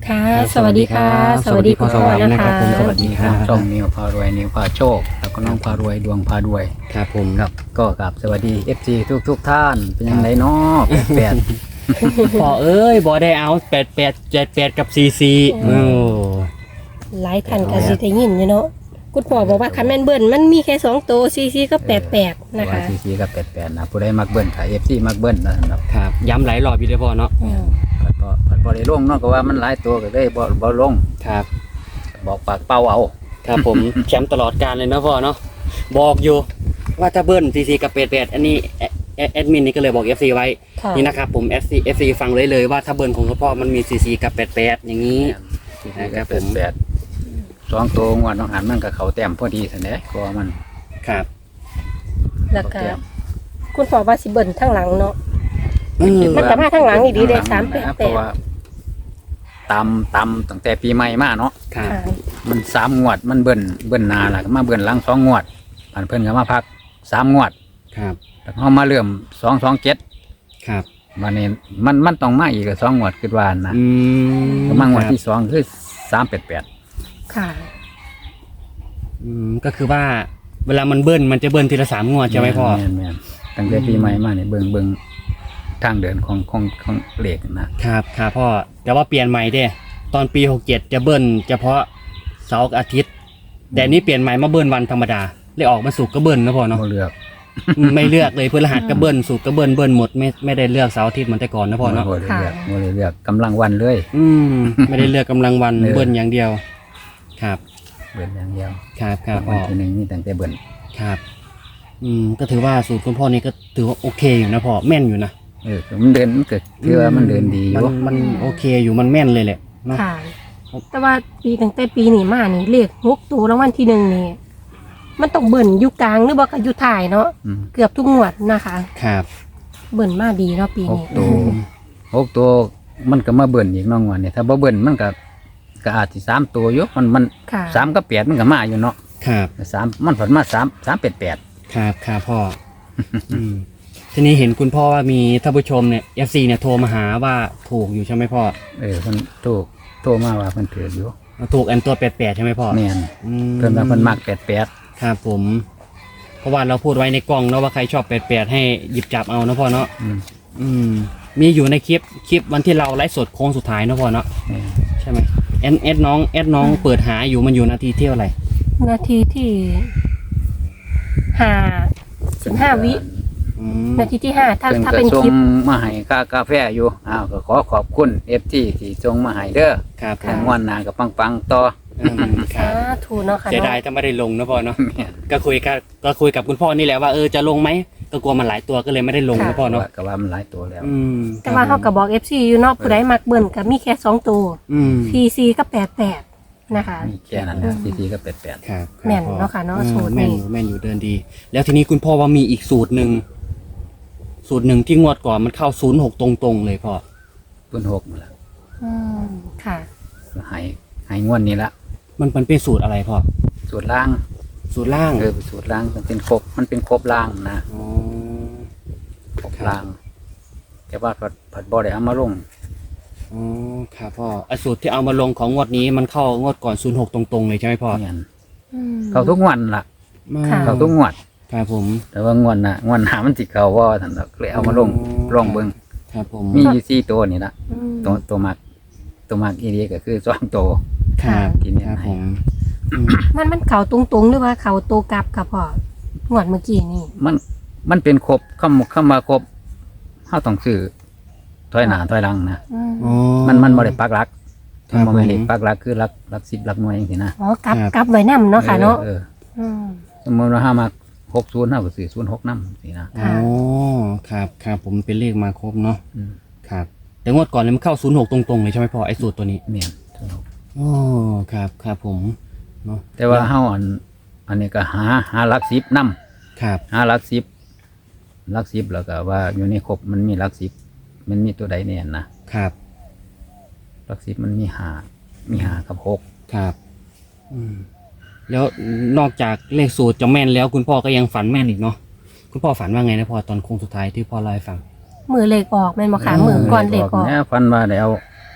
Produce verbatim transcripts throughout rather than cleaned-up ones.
ค่ะสวัสดีค่ะสวัสดีพ่อพ่อนะคะสวัสดีครับช่องนิวพารวยนิวพาโชคแล้วก็น้องพารวยดวงพารวยครับผมครับก็กับสวัสดี เอฟ ซี ทุกทุกท่านเป็นยังไงเนาะแปดแปดพอเอ้ยบอได้เอาแปดแปดเจ็ดแปดกับซีซีโอ้หลายท่านก็สิได้ยินอยู่เนาะคุณพ่อบอกว่าคันแม่นเบิ้ลมันมีแค่สองตัวซีซีก็แปดแปดนะคะซีซีกับแปดแปดนะผู้ใดมักเบิ้ลถ่าย เอฟ ซี มักเบิ้ลนะครับครับย้ำหลายรอบอยู่เลยพ่อเนาะอืมก็ก็บ่ได้ลงเนาะก็ว่ามันหลายตัวก็ได้บ่บ่ลงครับบอกปากเป้าเอาครับผม แชมป์ตลอดการเลยนะพ่อเนาะบอกอยู่ว่าถ้าเบิ้ลซีซีกับแปดแปดอันนี้แอแอแอดมินนี่ก็เลยบอก เอฟ ซี ไว้ค่ะนี่นะครับผม เอฟ ซี เอฟ ซี ฟังเลยเลยว่าถ้าเบิ้ลของพ่อมันมีซีซีกับแปดแปดอย่างนี้ซีซีกับแปดแปดสองตัวงวดน้องหันมันก็เข้าแต้มพอดีซั่นแหละก็มันครับแล้วก็คุณพ่อว่าสิเบิ้ลทั้งหลังเนาะอืมมันก็มาทางหลังอีดีได้สามแปดแปดเพราะว่าตามตามตั้งแต่ปีใหม่มาเนาะครับค่ะมันสามงวดมันเบิ่นเบิ่นหนาล่ะก็มาเบิ่นหลังสองงวดอันเพิ่นก็มาพักสามงวดครับแล้วเฮามาเริ่มสองสองเจ็ดครับวันนี้มันมันต้องมาอีกสองงวดคิดว่านะอืมก็มางวดครับที่สองคือสามแปดแปดค่ะอืมก็คือว่าเวลามันเบิ้ลมันจะเบิ้ลทีละสามงวดใช่ไหมพ่อแม่นแม่นตั้งแต่ปีใหม่มาเนี่ยเบิ่งเบิ่งทางเดินของของของเลขนะครับครับพ่อแต่ว่าเปลี่ยนใหม่เด้ตอนปีหกเจ็ดจะเบิ้ลเฉพาะเสาร์กับอาทิตย์ แต่อันนี้เปลี่ยนใหม่มาเบิ้ลวันธรรมดาเลยออกมาสุกร์ก็เบิ้ลนะพ่อเนาะบ่เลือกอืมไม่เลือกเลยพฤหัสก็เบิ้ลสุกร์ก็เบิ้ลเบิ้ลหมดไม่ไม่ได้เลือกเสาร์อาทิตย์เหมือนแต่ก่อนนะพ่อเนาะบ่ได้เลือกบ่ได้เลือกกำลังวันเลยอืมไม่ได้เลือกกำลังวันเออเบิ้ลอย่างเดียว ครับเบิ่นอย่างเดียวครับครับวัพ่นอที่หนึ่งนี่ตั้งแต่เบิ่นครับ อืมก็ถือว่าสูตรคุณพ่อนี่ก็ถือว่าโอเคอยู่นะพ่อแม่นอยู่นะเออมันเดินมันก็คือว่ามันเดินดีอยู่มันมันโอเคอยู่มันแม่นเลยแหละเนาะค่ะ แต่ว่าปีตั้งแต่ปีนี้มานี่เลขหกตัวรางวัลที่หนึ่งนี่มันต้องเบิ่นอยู่กลางหรือว่าก็อยู่ท้ายเนาะอืมเกือบทุกงวดนะคะครับเบิ่นมาดีเนาะปีหนี้กตัว หกตัวมันก็มาเบิ่นอีกน้องวันเนี่ยถ้าบ่เบิ่นมันก็ก็อาจสิสามตัวอยู่มันมันค่ะสามกับแปดมันก็มาอยู่เนาะครับสามมันผันมาสามสามแปดแปดครับครับพ่อ อืมทีนี้เห็นคุณพ่อว่ามีท่านผู้ชมเนี่ย เอฟ ซี เนี่ยโทรมาหาว่าถูกอยู่ใช่ไหมพ่อเออเพิ่นโทรโทรมาว่าเพิ่นถืออยู่ถูกอันตัวแปดแปดใช่ไหมพ่อแม่นอืมเพิ่นว่าเพิ่นมักแปดแปดครับผม เพราะว่าเราพูดไว้ในกล้องเนาะว่าใครชอบแปดแปดให้หยิบจับเอานะพ่อเนาะอืมอืม มีอยู่ในคลิปคลิปวันที่เราไลฟ์สดโค้งสุดท้ายนะพ่อเนาะแม่นใช่ไหมแอดแอดน้องแอดน้องเปิดหาอยู่มันอยู่นาทีเที่ยวอะไรนาทีที่ห้าสิบห้าวิอืมนาทีที่ห้าถ้าเพิ่นถ้าก็เป็นส่คลิงปมาให้ค่ากาแฟอยู่อ้าวก็ขอขอบคุณ เอฟ ที ที่ส่งมาให้เด้อครับผทางมวันหน้าก็ปังๆต่ออืมคสารับธุเนาะค่ะเสียดายเนาะถ้าไม่ได้ลงนะพ่อเนาะแม่นก็คุยกับก็คุยกับคุณพ่อนี่แหละว่าเออจะลงไหมก็กลัวมันหลายตัวก็เลยไม่ได้ลงนะพ่อเนาะก็ว่ามันหลายตัวแล้วอืมแต่ว่าเขาก็บอก เอฟ ซี อยู่เนาะผู้ใดมักเบิ่นก็มีแค่สองตัวอืมซีซีก็แปดแปดนะคะมีแค่นั้นนะทีๆก็แปดแปดครับแม่นเนาะค่ะเนาะอืมสูตรนี้แม่นอยู่แม่นอยู่เดินดี แล้วทีนี้คุณพ่อว่ามีอีกสูตรหนึ่งสูตรหนึ่งที่งวดก่อนมันเข้าศูนย์หกตรงๆเลยพ่อต้นหกนั่นล่ะอืมค่ะใหายหายงวดนี้ละมันมันเป็นสูตรอะไรพ่อสูตรล่างสูตรล่างเออสูตรล่างมันเป็นครบมันเป็นครบล่างนะอ๋อครบล่าง แต่ว่าผัดผัดบ่ได้เอามาลงอ๋อครับพ่อไอสูตรที่เอามาลงของงวดนี้มันเข้างวดก่อนศูนย์หกตรงๆเลยใช่ไหมพ่อเนี่ยอืมเขาทุกงวันล่ะค่ะเขาทุกงวดครับผมแต่ว่างวดน่ะงวดหน้ามันสิเขาว่าท่านดอกเลยเอามาลงอ๋อลองเบิ่งครับผมมีอยู่สี่ตัวนี่ละอืมตัวตัวมักตัวมักอีเดียก็คือสองตัวครับที่เนี่ยครับผมอืมมันมันเข่าตรงๆหรือว่าเข่าโตวกลับกับพ่อหวดเมื่อกี้นี่มันมันเป็นครบคำคำมาครบเฮาต้องซื้อถอยหน้าถอยหลังนะอืมอ๋อมันมันบ่ได้ปักหลักครับมันบ่แม่นเลขผมปักหลักคือหลักหลักสิบหลักหน่วยจังซี่นะอ๋อกลับครับกลับไว้นํเนาะค่ะเนาะอออออืมสมมติว่าห้ามาหกศูนย์ห้าก็สี่ศูนย์หกน้ำสินะอ๋อครับครับผมเป็นเลขมาครบเนาะอืมครับ แต่งวดก่อนเนี่ยมันเข้าศูนย์หกตรงๆเลยใช่ไหมพ่อไอ้สูตรตัวนี้เมียนศูนย์หกอ๋อครับครับผมเนาะแต่ว่าเฮาอัน อันนี้ก็หาหาหลักสิบน้ครับำหาหลักสิบหลักสิบแล้วก็ว่าอยู่ในครบมันมีหลักสิบมันมีตัวใดเนี่ยนะครับ หลักสิบมันมีหามีหากับหกครับอืมแล้วนอกจากเลขสูตรจะแม่นแล้วคุณพ่อก็ยังฝันแม่นอีกเนาะคุณพ่อฝันว่าไงนะพ่อตอนโค้งสุดท้ายที่พ่อเล่าให้ฟังมือเหล็กออกแม่นบ่ค่ะมือก่อนเหล็กออกเนี่ยฟันว่าได้เอา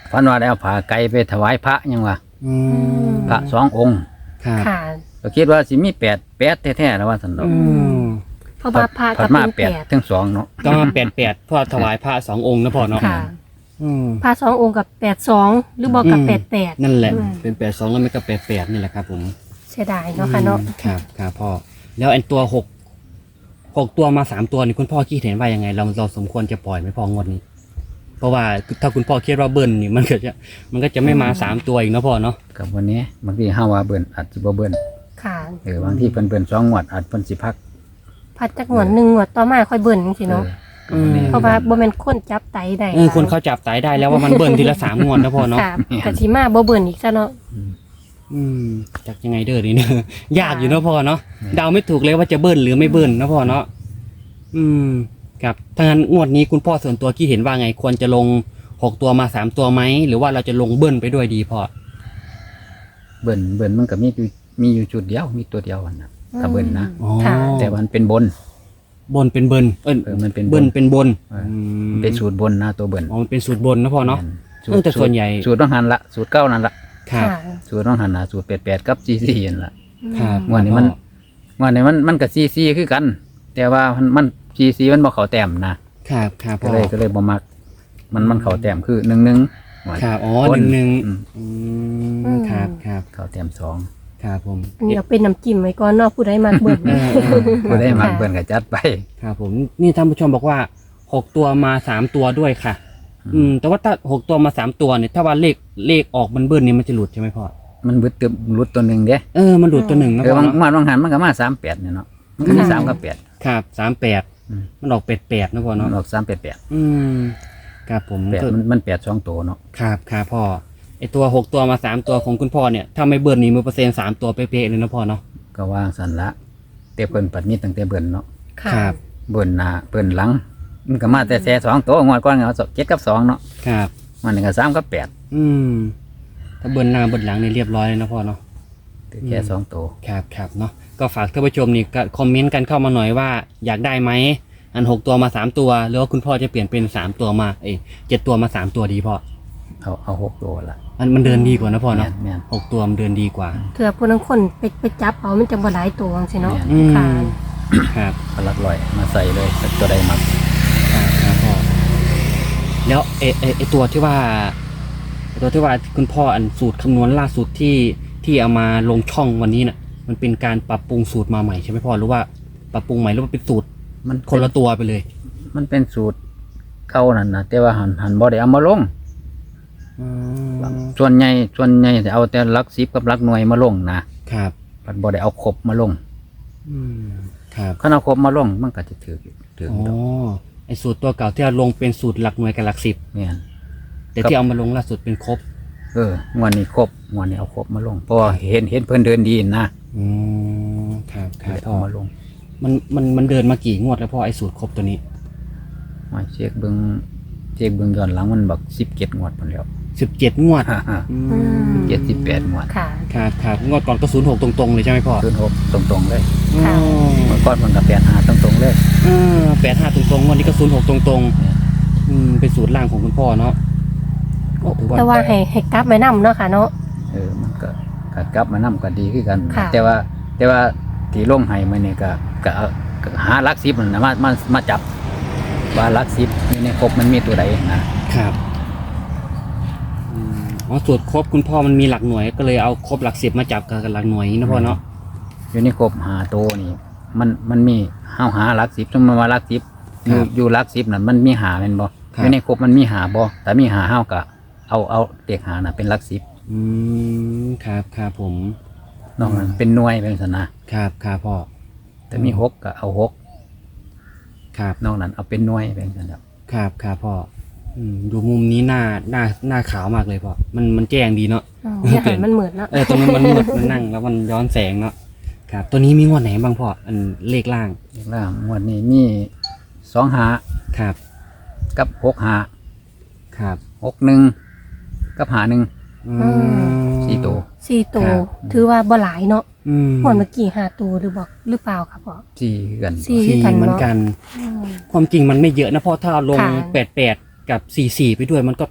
ฝันว่าได้เอาผ้าไก่ไปถวายพระยังวะอืมพระสององค์ครับค่ะก็คิดว่าสิมีแปดแปดแท้ๆแล้วว่าสันดอกอืมเพราะว่าพระผัก็ดมาเป็นแปแปดดทั้งสองเนาะก็มาแปดแปดเพราะถวายพระสององค์นะพ่อเนาะค่ะอืมพระสององค์กับแปดสองหรือบอกกับอืมแปดแปดนั่นแหละอืมเป็นแปดสองแล้วมันก็แปดแปดนี่แหละครับผมเสียดายเนาะค่ะเนาะอืมครับครับพ่อแล้วไอ้ตัวหกหกตัวมาสามตัวนี่คุณพ่อคิดเห็นว่ายังไง เราเราสมควรจะปล่อยไหมพ่องวดนี้ เพราะว่าถ้าคุณพ่อคิดว่าเบิ้ลนี่มันก็จะมันก็จะไม่มาสามตัวอีกนะพ่อเนาะกับวันนี้บางทีห้าว่าเบิ่นอาจสิบ่เบิ่นค่ะเออบางทีเพิ่นเบิ่นสองงวดอาจเพิ่นสิพักพัดจากหนวดหนึ่งหนวดต่อมาค่อยเบิ่นจังซี่เนาะเออก็บ่แน่เพราะว่าบ่แม่นคนจับไตได้เออคนเขาจับสายได้แล้วว่ามันเบิ้ลทีละสามงวดนะพ่อเนาะค่ะกะสิมาบ่เบิ่นอีกซะเนาะอืมจากยังไงเด้อนี่เนี่ย ยากอยู่นะพ่อเนาะเดาไม่ถูกเลยว่าจะเบิ้ลหรือไม่เบิ้ลนะพ่อเนาะอืมครับถ้างั้นงวดนี้คุณพ่อส่วนตัวคิดเห็นว่าไง ควรจะลงหกตัวมาสามตัวไหมหรือว่าเราจะลงเบิ้ลไปด้วยดีพ่อเบิ่นเบิ่นมันก็มีอยู่มีอยู่จุดเดียวมีตัวเดียวอันนะถ้าเบิ่นนะอ๋อค่ะแต่ว่ามันเป็นบนบนเป็นเบิ้ลเออเออมันเป็นบเบิ้ลนเป็นบนเออมันเป็นสูตรบนนะตัวเบิ่นอ๋อมันเป็นสูตรบนนะพ่อเนาะสูเออแต่ส่วนใหญ่สูตรต้องหันละสูตรเก้านั่นละครับค่ะสูตรต้องหันละสูตรแปดแปดกับซีซีนั่นละครับงวดนี้มัน งวดนี้มันมันกับซีซีคือกัน แต่ว่ามันมันซีซีมันบ่เข้าแต้มนะครับครับก็พ่อเลยก็เลยบ่มัก มันมันเข้าแต้มคือหนึ่งหนึ่งงวดครับอ๋อคหนึ่งหนึ่งอืมอืมครับครับเข้าแต้มสองครับผมอันนี้เอาเป็นน้ำจิ้มไว้ก่อนเนาะผู้ใดมักเบิ่นเออเออบ่ได้มักค่ะเบิ่นก็จัดไปครับผมนี่ท่านผู้ชมบอกว่าหกตัวมาสามตัวด้วยค่ะ อืม แต่ว่าถ้าหกตัวมาสามตัวเนี่ยถ้าว่าเลขเลขออกมันเบิ้ลนี่มันจะหลุดใช่ไหมพ่อมันบึดตึบรุดตัวหนึงเด้เออมันหลุดตัวหนึ่งนะเออพ่อบางเนาะงวดบางหันมันก็มาสามแปดเนี่ยเนาะมันก็มีสามกับแปดครับสามแปดอืมมันออกแปดแปดนะพ่อมันเนาะออกสามแปดแปดอืมครับผมแปดมันมันแปดสองตัวเนาะครับครับพ่อไอตัวหกตัวมาสามตัวของคุณพ่อเนี่ยถ้าไม่เบิ้ลนี่มือเปอร์เซ็นต์สามตัวเป๊ะๆเลยนะพ่อเนาะก็ว่างสันละแต่เพิ่นปัดมีตั้งแต่เบิ่นเนาะค่ะครับเบิ่นหน้าเบิ่นหลัง มันก็มาแต่แซ่สองตัวงวดก่อนก็เอาเจ็ดกับสองเนาะครับมันนี่ก็สามกับแปดอืมถ้าเบิ้ลหน้าเบิ้ลหลังนี่เรียบร้อยเลยนะพ่อเนาะแต่แค่สองตัวครับครับเนาะก็ฝากท่านผู้ชมนี่ก็คอมเมนต์กันเข้ามาหน่อยว่าอยากได้ไหมอันหกตัวมาสามตัวหรือว่าคุณพ่อจะเปลี่ยนเป็นสามตัวมาเอ้ยเจ็ดตัวมาสามตัวดีพ่อเอาเอาหกตัวละมันมันเดินดีกว่านะพ่อแม่เนาะนแม่นหกตัวมันเดินดีกว่าเถื่อผู้นั้นคนไปไปจับเอามันจะบ่หลายตัวจังซี่เนาะอืมค่ะครับก็ลักลอยมาใส่เลยสักตัวใดมักครับครับพ่อแล้วเอเอไอตัวที่ว่าไอ้ตัวที่ว่าคุณพ่ออันสูตรคำนวณล่าสุดที่ที่เอามาลงช่องวันนี้น่ะ มันเป็นการปรับปรุงสูตรมาใหม่ใช่ไหมพ่อหรือว่าปรับปรุงใหม่หรือว่าเป็นสูตรมันคนละตัวไปเลยมันเป็นสูตรเก่านั่นนะแต่ว่าหันหันบ่ได้เอามาลงอืมส่วนใหญ่ส่วนใหญ่จะเอาแต่หลักสิบกับหลักหน่วยมาลงนะครับมันบ่ได้เอาครบมาลงอืมครับคันเอาครบมาลงมันก็จะถือถืออ๋อดอกไอสูตรตัวเก่าที่เราลงเป็นสูตรหลักหน่วยกับหลักสิบเนี่ยแต่ที่เอามาลงล่าสุดเป็นครบเอองวดนี้ครบงวดนี้เอาครบมาลงเพราะว่าเห็นเห็นเพิ่นเดินดีนะอืมครับคก็รับเลยพ่เอาอมาลงมันมันมันเดินมากี่งวดแล้วพ่อไอสูตรครบตัวนี้มาเช็คเบิ่งเช็คเบิ่งย้อนหลังมันบักสิบเจ็ดงวดพุ่นแล้วสิบเจ็ดงวด อืมเจ็ดสิบแปดงวดค่ะครับครับงวดก่อนก็ศูนย์หกตรงๆเลยใช่ไหมพ่อศูนย์หกตรงๆเลยค่ะเมื่อก่อนมันก็แปดห้าตรงๆเลยแปดห้าตรงๆงวดนี้ก็ศูนย์หกตรงๆอืมเป็นสูตรล่างของคุณพ่อเนาะก็ถือว่าแต่ว่าให้ให้กลับไว้นํเนาะค่ะเนาะเออมันก็ก็กลับมานำก็ดีคือกันค่ะแต่ว่าแต่ว่าที่ลงให้มันนี่ก็ก็เอาก็หาหลักสิบนั่นนะมามามาจับ ว่าหลักสิบอยู่ในครบมันมีตัวใดนะครับอืมอ๋อสูตรครบคุณพ่อมันมีหลักหน่วยก็เลยเอาครบหลักสิบมาจับกับหลักหน่วยนะพ่อเนาะอยู่ในครบหาตัวนี่มันมันมีห้าหาหลักสิบสมมติว่าหลักสิบอยู่อยู่หลักสิบนั่นมันมีหาเป็นบ่อยู่ในครบมันมีหาบ่แต่มีหาเฮาก็เอาเอาเด็กหาน่ะเป็นหลักสิบอืมครับครับผมนอกนั้นเป็นหน่วยเป็นสนะครับครับพ่อแต่มีหกก็เอาหกครับนอกนั้นเอาเป็นหน่วยเป็นสนะครับครับครับพ่ออืมดูมุมนี้หน้าหน้าหน้าขาวมากเลยพ่อมันมันแจ้งดีเนาะอ๋ออย่าให้มันเหมือนเนาะเออตรงนั้นมันมืดมันนั่งแล้วมันย้อนแสงเนาะครับตัวนี้มีงวดไหนบ้างพ่ออันเลขล่างเลขล่างงวดนี้มีสองหาครับกับหกหาครับหกหนึ่งกับหาหนึ่งอืมสี่ตัวสี่ตัวครับถือว่าบ่หลายเนาะอืมหมดเมื่อกี้ห้าตัวหรือบอกหรือเปล่าครับพ่อสี่คือกันสี่สี่กันเหมือนเนาะกันอืมความจริงมันไม่เยอะนะพ่อถ้าลงค่ะแปดแปดกับสี่สี่ไปด้วยมันก็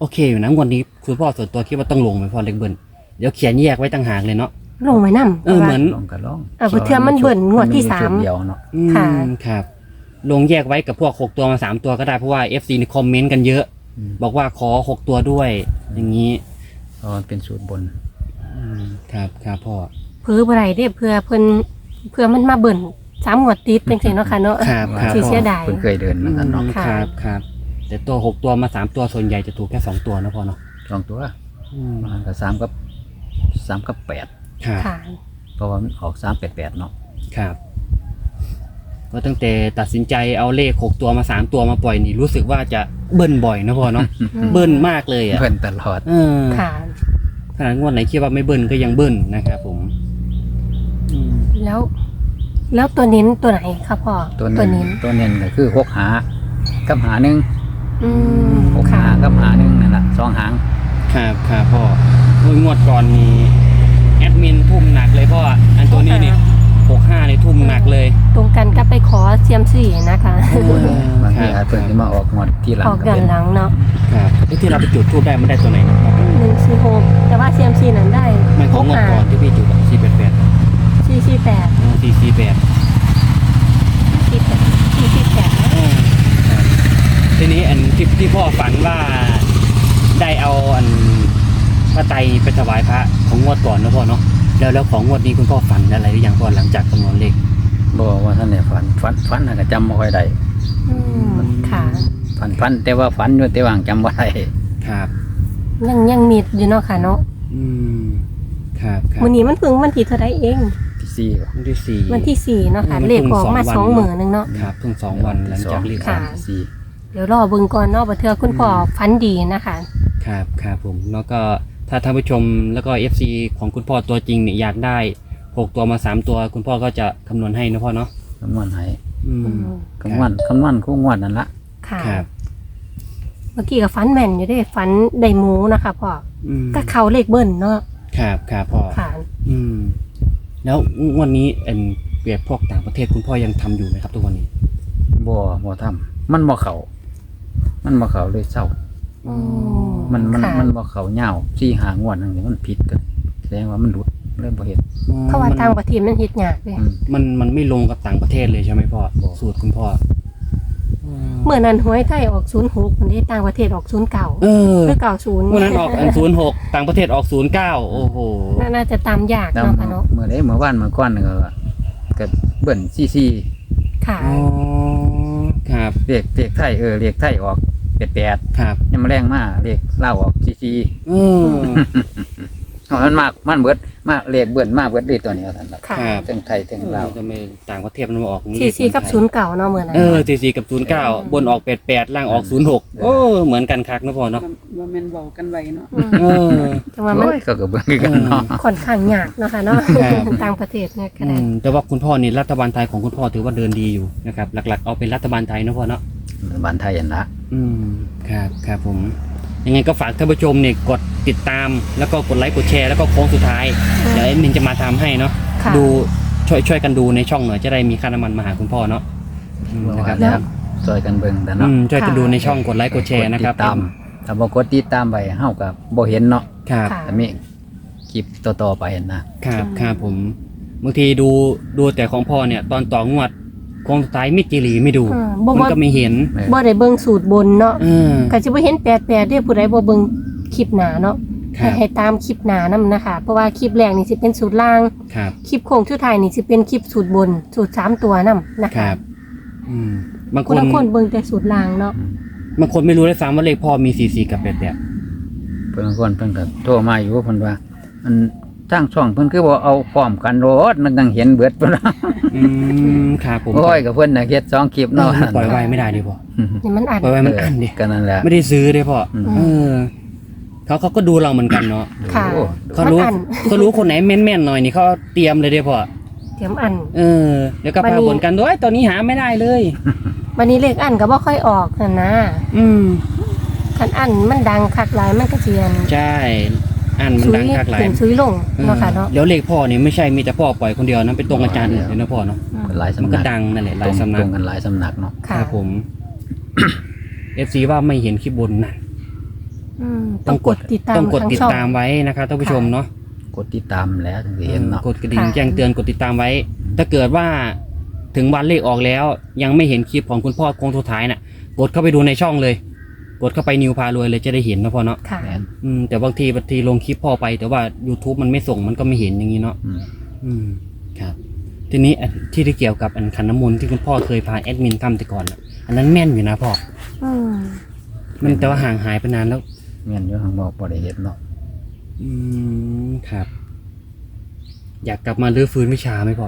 โอเคอยู่นะงวดนี้คุณพ่อส่วนตัวคิดว่าต้องลงไหมพ่อเลขเบิ้ลเดี๋ยวเขียนแยกไว้ต่างหากเลยเนาะลงไว้นำเออเหมือนลองก็ลองเออเพื่อมันเบิ่นงวดที่สามนชุเดียวเนาะอืมค่ะครับลงแยกไว้กับพวกหกตัวมาสามตัวก็ได้เพราะว่า เอฟ ซี ในคอมเมนต์กันเยอะอืมบอกว่าขอหกตัวด้วย อย่างนี้เพราะมันเป็นสูตรบนอืมครับครับพ่อเพื่อบ่ได้เด้เพื่อเพิ่นเพื่อมันมาเบิ่นสามงวดติดจังซี่เนาะค่ะเนาะครับครับสิพ่อเสียดายเพิ่นเคยเดินอืมาม กันเนาะค่ะครับครับแต่ตัวหกตัวมาสามตัวส่วนใหญ่จะถูกแค่สองตัวนะพ่อเนาะสองตัวอืมมันก็สามกับสามกับแปดครับค่ะเพราะว่ามันออกสามแปดแปดเนาะครับก็ตั้งแต่ตัดสินใจเอาเลขหกตัวมาสามตัวมาปล่อยนี่รู้สึกว่าจะเบิ้ลบ่อยนะพ่อเนาะ เบิ้ลมากเลยอ่ะเพิ่นตลอดเออค่ะขนาดงวดไหนคิดว่าไม่เบิ้ลก็ยังเบิ้ลนะครับผมอืมแล้ว แล้วตัวเน้นตัวไหนคะพ่อตัวตัวเน้เน้นนตัวเน้นก็คือหกหากับหาหนึ่งอืมหกค่ะหากับหาหนึ่งนั่นแหละสองหางครับครับพ่อโอ้ยงวดก่อนมีแอดมินทุ่มหนักเลยพ่ออันตัวนี้นี่หกห้านี่ทุ่มหนักเลยตรงกันก็ไปขอเซียมซี่นะคะเออบางทีครับอาจเพิ่นที่มาออกงวดที่หลังออกก็ย้อเป็นนหลังเนาะครับไอ้ที่เราไปจุดทูบได้มันได้ตัวไหนครับหนึ่งสี่หกแต่ว่าเซียมซี่นั้นได้มันของงวดก่อนที่พี่จุดสี่แปดแปดสี่สี่แปดสี่สี่แปดสี่แปดสี่สี่แปดทีนี้อันที่ที่พ่อฝันว่าได้เอาอันพระไตรไปถวายพระของงวดก่อนนะพ่อเนาะแล้วแล้วของงวดนี้คุณพ่อฝันอะไรหรือยังพ่อหลังจากคำนวณเลขบอกว่าท่านเนี่ยฝันฝันฝันน่ะก็จำไม่ค่อยได้อืมค่ะฝันฝันแต่ว่าฝันอยู่แต่ว่าจำไม่ได้ครับยังยังมีอยู่เนาะค่ะเนาะอืมครับครับวันนี้มันเพิ่งวันที่เท่าไรเองที่สี่วันที่สี่วันที่สี่เนาะค่ะเออมันเลขออกมาเพิ่งสสออง งวันหมื่นหนึ่งเนาะครับเพิ่งสองวันหลังจากเลขค่ะออกที่สี่เดี๋ยวรอเบิ่งก่อนเนาะบ่เทื่อคุณพ่อฝันดีนะคะครับครับผมแล้วก็ถ้าท่านผู้ชมแล้วก็ เอฟ ซี ของคุณพ่อตัวจริงเนี่ยอยากได้หกตัวมาสามตัว คุณพ่อก็จะคำนวณให้นะพ่อเนาะคำนวณให้อืมคำนวณคำนวณคู่งวดนั่นละค่ะครับเมื่อกี้ก็ฝันแม่นอยู่เด้ฝันได้หมูนะคะพ่ออืมก็เข้าเลขเบิ้ลเนาะครับครับพ่อค่ะอืมแล้วงวันนี้เอ็นเปรียบพวกต่างประเทศคุณพ่อยังทำอยู่ไหมครับทุกวันนี้บ่บ่ทำมันบ่เข้ามันบ่เข้าเลยเศร้าอืมมันมันค่ะมันบ่เข้าเหย้าสี่หางวดนั่นนี่มันผิดกันแสดงว่ามันหลุดเริ่มบ่เฮ็ดเพราะว่าต่างประเทศมันเฮ็ดยากเลยอืมมันมันไม่ลงกับต่างประเทศเลยใช่ไหมพ่อบ่สูตรคุณพ่อเมื่อนั้นหวยไทยออกศูนย์หกมันได้ต่างประเทศออกศูนย์เก้าเออคือเก้าศูนย์วันนั้นออกอันศูนย์หกต่างประเทศออกศูนย์เก้าโอ้โหน่าจะตามยากแล้วเนาะค่ะเนาะเมื่อใดเมื่อวานเมื่อก่อนนี่ก็ก็เบิ่นซี่ค่ะอ๋อครับๆเลขเลขไทยเออเลขไทยออกแปดแปดครับยังมาแรงมาเลขลาวออกซี่อืมๆเอามันมากมันเบิดมาเลขเบิ่นมาเบิดเลยตัวนี้ว่าซั่นล่ะค่ะครับทั้งไทยทั้งลาวทำไมต่างประเทศมันมาออกอย่างนี้สี่สี่กับศูนย์เก่าเนาะเหมือนนั้นเออสี่สี่กับศูนย์เก้าบนออกแปดแปดล่างออกศูนย์หกโอ้เหมือนกันคักนะพ่อเนาะว่าแม่นเว้ากันไว้เนาะอืมเออแต่ว่ามันโอ้ยก็ก็เบิ่งคือกันเนาะค่อนข้างยากเนาะค่ะเนาะครับต่างประเทศเนี่ยก็อืได้มแต่ว่าคุณพ่อนี่รัฐบาลไทยของคุณพ่อถือว่าเดินดีอยู่นะครับหลักๆเอาเป็นรัฐบาลไทยนะพ่อเนาะบ้านไทยอันละอืมครับครับผมยังไงก็ฝากท่านผู้ชมเนี่ยกดติดตามแล้วก็กดไลค์กดแชร์แล้วก็โค้งสุดท้ายเดี๋ยวเอ็มมินจะมาทำให้เนาะค่ะดูช่วยช่วยกันดูในช่องหน่อยจะได้มีค่าน้ำมันมาหาคุณพ่อเนาะอืมนะครับแล้วซอยกันเบิ่งแต่อืเนาะมช่วยกันดูในช่องกดไลค์กดแชร์นะครับกดติดตามถ้าบ่กดติดตามไปเฮาก็บ่เห็นเนาะครับค่ะแต่มีคลิปต่อๆไปนะครับครับผมบางทีดูดูแต่ของพ่อเนี่ย ตอนต่องวดโค้งสุดท้ายไม่จีรีไม่ดูอืมบ่มันว่าก็ไม่เห็นแม่บ่ได้เบิ่งสูตรบนเนาะเออก็สิบ่เห็นแปดแปดเด้ผู้ใดบ่เบิ่งคลิปหน้าเนาะครัให้บให้ตามคลิปหน้านำนะคะ เพราะว่าคลิปแรกนี่สิเป็นสูตรล่างครับคลิปโค้งสุดท้ายนี่สิเป็นคลิปสูตรบน สูตรสามตัวนํนะคคะรับอืมบางคคน นละคนเบิ่งแต่สูตรล่างเนาะบางคนไม่รู้เลยซ้ำว่าเลขพ่อมีสี่สี่กับแปดแปดเพิ่นคนเพิ่นก็โทรมาอยู่เพิ่นว่ามันทางช่องเพิ่นคือบ่เอาพร้อมกันโลดมันจังเห็นเบิดเพิ่นว่าอืมครับผมโอ้ยก็เพิ่นน่ะเฮ็ดสองคลิปเนาะเนาะปล่อยไว้ไม่ได้ดิพ่อนี่มันอัดปล่อยไว้มันอันดิก็นั่นแหละไม่ได้ซื้อเลยพ่ออืมเออเขาเขาก็ดูเราเหมือนกันเนาะค่ะโอ้เขารู้มันอันเขารู้คนไหนแม่นๆหน่อยนี่เขาเตรียมเลยเด้อพ่อเตรียมอันเออแล้วก็วันพานี้บ่นกันด้วยตอนนี้หาไม่ได้เลยวันนี้เลขอันก็บ่ค่อยออกนั่นนะอืมคันอันมันดังคักหลายมันก็เจียนใช่อันมันซุยดังคักหลายขึ้นซุยลงเนาะค่ะเนาะแล้วเลขพ่อนี่ไม่ใช่มีแต่พ่อปล่อยคนเดียวนะเป็นตรงอาจารย์อื่นเลยนะพ่อเนาะหลายมันสำก็นักดังนั่นแหละหตลารยงสำนัตกรงกันหลายสำนักเนาะคค่ะรับผม เอฟซีว่าไม่เห็นคลิปบนนั่นออืมต้องกดติดตามต้องกดทางติดช่องตามไว้นะครับท่านผู้ชมเนาะกดติดตามแล้วถึงจะเห็นเนาะกดกระดิ่งค่ะแจ้งเตือนกดติดตามไว้ ถ้าเกิดว่าถึงวันเลขออกแล้ว ยังไม่เห็นคลิปของคุณพ่อโค้งสุดท้ายน่ะกดเข้าไปดูในช่องเลย กดเข้าไปนิวพารวยเลยจะได้เห็นนะพ่อเนาะค่ะแม่นอืมแต่บางทีบางทีลงคลิปพ่อไป แต่ว่า YouTube มันไม่ส่งมันก็ไม่เห็นอย่างนี้เนาะอืมอืมครับทีนี้อันที่ที่เกี่ยวกับอันขันน้ำมนต์ที่คุณพ่อเคยพาแอดมินทำแต่ก่อนน่ะอันนั้นแม่นอยู่นะพ่ออืมมันแต่ว่าห่างหายไปนานแล้วแม่นอยู่ทางบอกบ่ได้เฮ็ดเนาะอืมครับ อยากกลับมาลื้อฟื้นวิชาไหมพ่อ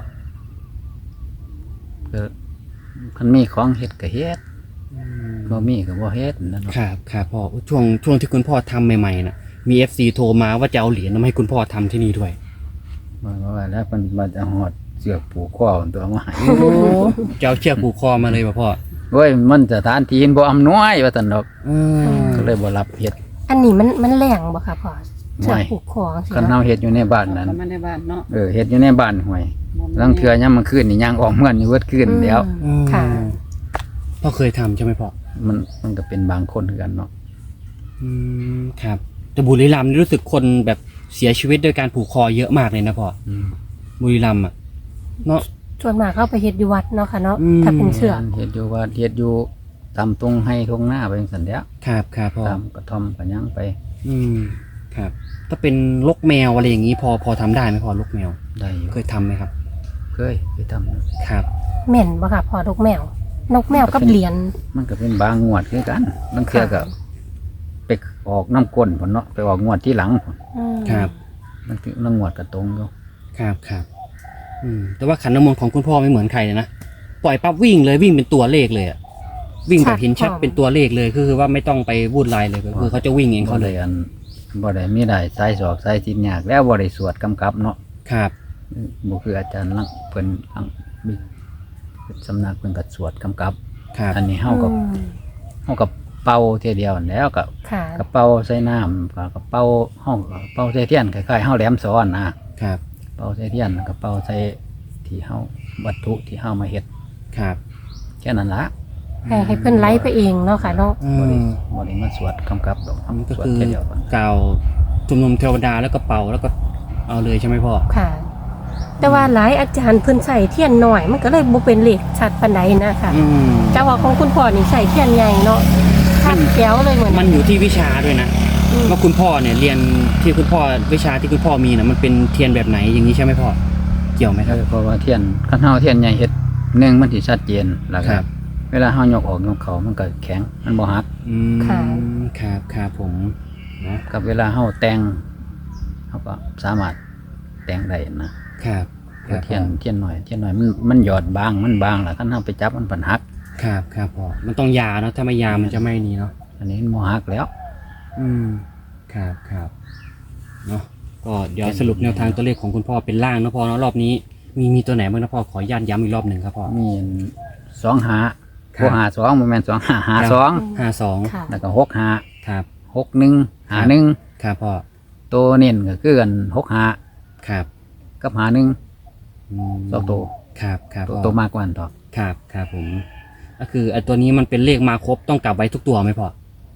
ก็คันมีของเฮ็ดก็เฮ็ดอืมบ่มีก็บ่เฮ็ดนั่นเนาะครับครับพ่อช่วงช่วงที่คุณพ่อทำใหม่ๆน่ะมีเอฟซีโทรมาว่าจะเอาเหรียญมาให้คุณพ่อทำที่นี่ด้วยมันว่าแล้วมันมาจะหอดเสือกผูกคอตัวมาให้จะเอาเชือกผูกคอมาเลยป่ะพ่อโอ้ยมันสถานที่บ่อำนวยว่าซั่นดอกอืมก็เลยบ่รับเฮ็ดอันนี้มันมันแรงบ่ค่ะพ่อเสือไม่ผูกคอสิคันเฮาเฮ็ดอยู่ในบ้านนั้นเข้ามาในบ้านเนาะเออเฮ็ดอยู่ในบ้านห่วยลางเทื่อยามมื้อคืนนี่ย่างออกเมือนอยู่เบิดคืนแล้วอืมค่ะพ่อเคยทำใช่ไหมพ่อมันมันก็เป็นบางคนคือกันเนาะอืมครับแต่บุรีรัมย์นี่รู้สึกคนแบบเสียชีวิตด้วยการผูกคอเยอะมากเลยนะพ่ออืมบุรีรัมย์อ่ะเนาะส่วนมากเข้าไปเฮ็ดอยู่วัดเนาะค่ะเนาะอืมถ้าเป็นเสือเฮ็ดอยู่ว่าเฮ็ดอยู่ตามตรงให้ตรงหน้าไปจังซั่นแหล้วครับครับพ่อตามกระท่อมก็ยังไปอืมครับ ถ้าเป็นลกแมวอะไรอย่างนี้พอพอทำได้ไหมพ่อลกแมวได้อยู่เคยทำไหมครับเคยไปทำครับแม่นบ่ค่ะพ่อดอกแมว นกแมวกับเหรียญมันก็เป็นบางงวดคือกันบางเทื่อก็ไปออกน้ำก้นพุ่นเนาะไปออกงวดที่หลังพุ่นอืมครับบางทีน้ำงวดก็ตรงอยู่ครับครับอืมแต่ว่าขันน้ำมนต์ของคุณพ่อไม่เหมือนใครเลยนะปล่อยปั๊บวิ่งเลยวิ่งเป็นตัวเลขเลยอะวิ่งแบบเห็นชัดเป็นตัวเลขเลยคือคือว่าไม่ต้องไปวุ่นวายเลยก็คือเขาจะวิ่งเองเขาเลยอันบ่ได้มีได้สายสอกสายสินยากแล้วบ่ได้สวดกำกับเนาะครับบ่คืออาจารย์ลังเพิ่นลังมีสำนักเพิ่นก็สวดกำกับครับอันนี้เฮาก็อืมเฮาก็เป่าเทียเดียวนั่นแหล้วก็ค่ะกระเป๋าใส่น้ำก็กระเป๋าเฮาก็เป่าใส่เทียนคล้ายๆเฮาแหลมซ้อนนะครับ เป่าใส่เทียนกระเป๋าใส่ที่เฮาวัตถุที่เฮามาเฮ็ดครับแค่นั้นละให้ให้เพิ่นไลฟ์ไปเองเนาะค่ะเนาะอืบ่ได้มบ่ได้มาสวดกำกับดอกอันนี้ก็สวดคือเทียเดียวก่อนกล่าวชุมนุมเทวดาแล้วก็เป่าแล้วก็เอาเลยใช่ไหมพ่อค่ะ แต่ว่าหลายอาจารย์เพิ่นใส่เทียนหน่อย มันก็เลยบ่เป็นเลขชัดปานใดนะคะอืมแต่ว่าของคุณพ่อนี่ใส่เทียนใหญ่เนาะชัดแจ๋วเลยเหมือนมันอยู่ที่วิชาด้วยนะอืมว่าคุณพ่อเนี่ยเรียนที่คุณพ่อวิชาที่คุณพ่อมีนะมันเป็นเทียนแบบไหนอย่างนี้ใช่ไหมพ่อเกี่ยวไหมคเอรับอเพราะว่าเทียนคันเฮาเทียนใหญ่เฮ็ดหนึ่งมันสิชัดเจนแล้วคก็รับเวลาเฮายกออกยกเข้ามันก็แข็งมันบ่หักอืมครับครับผมนะกับเวลาเฮาแต่งเฮาก็สามารถแต่งได้นะครับแต่เทียนเทียนหน่อยเทียนหน่อยมันมันหยอดบางมันบางล่ะคันเฮาไปจับมันปันหักครับครับพ่อมันต้องยาเนาะถ้าไม่ยามันจะไม่นี่เนาะอันนี้มันบ่หักแล้วอืมครับครับเนาะก็เดี๋ยวสรุปแนวทางตัวเลขของคุณพ่อเป็นล่างนะพ่อเนาะรอบนี้ มีมีตัวไหนบ้างนะพ่อขอย้ำย้ำอีกรอบหนึ่งครับพ่อมีสองหาครับบ่หาสองบ่แม่นสองหาหาสองห้าสองค่ะแล้วก็หกหาครับหกหนึ่งหาหนึ่งครับพ่อตัวเน้นก็คือกันหกหาครับกับหาหนึ่งมสองตัวครับครับตัวพ่อตัวมากกว่านั้นต่อครับครับผมก็คือไอ้ตัวนี้มันเป็นเลขมาครบต้องกลับไว้ทุกตัวไหมพ่อ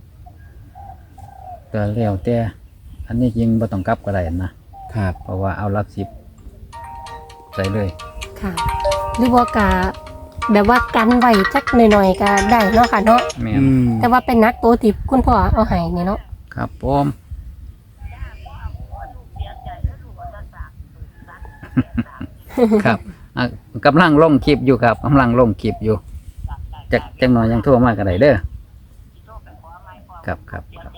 ก็แล้วแต่อันนี้จริงบ่ต้องกลับก็ได้นะครับ เพราะว่าเอาหลักสิบใส่เลยค่ะ หรือว่ากะแบบว่ากันไว้จักหน่อยๆก็ได้เนาะค่ะเนาะแม่นอืมแต่ว่าเป็นนักตัวที่คุณพ่อเอาให้นี่เนาะครับผม ครับอ่ะกำลังลงคลิปอยู่ครับกำลังลงคลิปอยู่จักจักหน่อยยังโทั่วมากกันได้เด้อครับครับครับ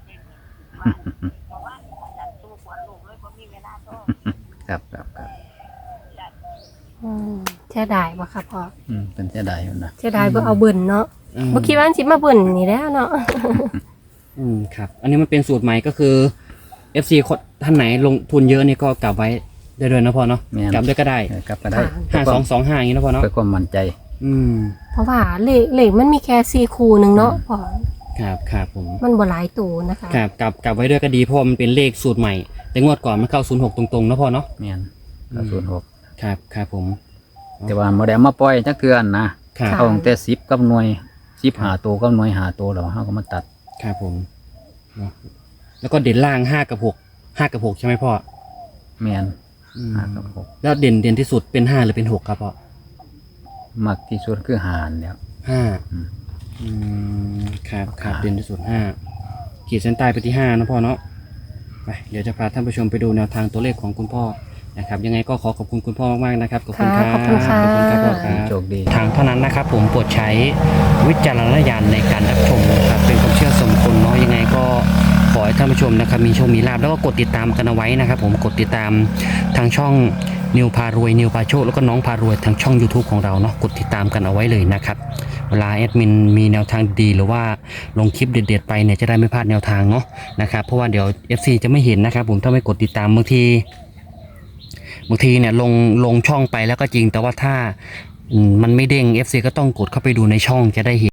ครับครับครับอืมเสียดายบ่ค่ะพ่ออืมเป็นเสียดายอยู่นะเสียดายบ่เอาเบิ่นเนาะอืมบ่คิดว่ามันสิมาเบิ่นนี่แหล้วเนาะอืมครับ อันนี้มันเป็นสูตรใหม่ก็คือ เอฟ ซี คนท่านไหนลงทุนเยอะนี่ก็กลับไว้ได้ด้วยนะพ่อเนาะแม่นกลับด้วยก็ได้เออกลับก็ได้ห้าสองสองห้าอย่างนี้นะพ่อเนาะเพื่อความมั่นใจอืมเพราะว่าเลขเลขมันมีแค่สี่คู่หนึงเนาะพ่อครับครับผมมันบ่หลายตัวนะคะครับกลับกลับไว้ด้วยก็ดีเพราะมันเป็นเลขสูตรใหม่ แต่งวดก่อนมันเข้าศูนย์หกตรงๆนะพ่อเนาะแม่นอืมศูนย์หกครับครับผมแต่ว่าโมเดลมาปล่อยจักเทือนนะครับ เอาตั้งแต่สิบกับหน่วยสิบหาตัวกับหน่วยหาตัวแล้วเฮาก็มาตัดครับผมเนาะแล้วก็เด่นล่างห้ากับหกห้ากับหกใช่ไหมพ่อแมนอืมห้ากับหกแล้วเด่นเด่นที่สุดเป็นห้าหรือเป็นหกครับพ่อมักที่สุดคือหารเนี่ยห้าอืมอืมครับครับห้าเด่นที่สุดห้าขีดเส้นใต้ไปที่ห้านะพ่อเนาะไปเดี๋ยวจะพาท่านผู้ชมไปดูแนวทางตัวเลขของคุณพ่อนะครับยังไงก็ขอขอบคุณคุณพ่อมากๆนะครับขอบคุณครับขอบคุณค่ะขอบคุณครับพ่อครับโชคดีทางเท่านั้นนะครับผมโปรดใช้วิจารณญาณในการรับชมนะครับเป็นความเชื่อส่วนบุคคลเนาะยังไงก็ขอให้ท่านผู้ชมนะครับมีโชคมีลาภแล้วก็กดติดตามกันเอาไว้นะครับผมกดติดตามทางช่องนิวพารวยนิวพาโชคแล้วก็น้องพารวยทางช่อง YouTube ของเราเนาะกดติดตามกันเอาไว้เลยนะครับเวลาแอดมินมีแนวทางดีหรือว่าลงคลิปเด็ดๆไปเนี่ยจะได้ไม่พลาดแนวทางเนาะนะครับเพราะว่าเดี๋ยว เอฟ ซี จะไม่เห็นนะครับผมถ้าไม่กดติดตามบางทีบางทีเนี่ยลงลงช่องไปแล้วก็จริงแต่ว่าถ้าอืมมันไม่เด้ง เอฟ ซี ก็ต้องกดเข้าไปดูในช่องจะได้เห็น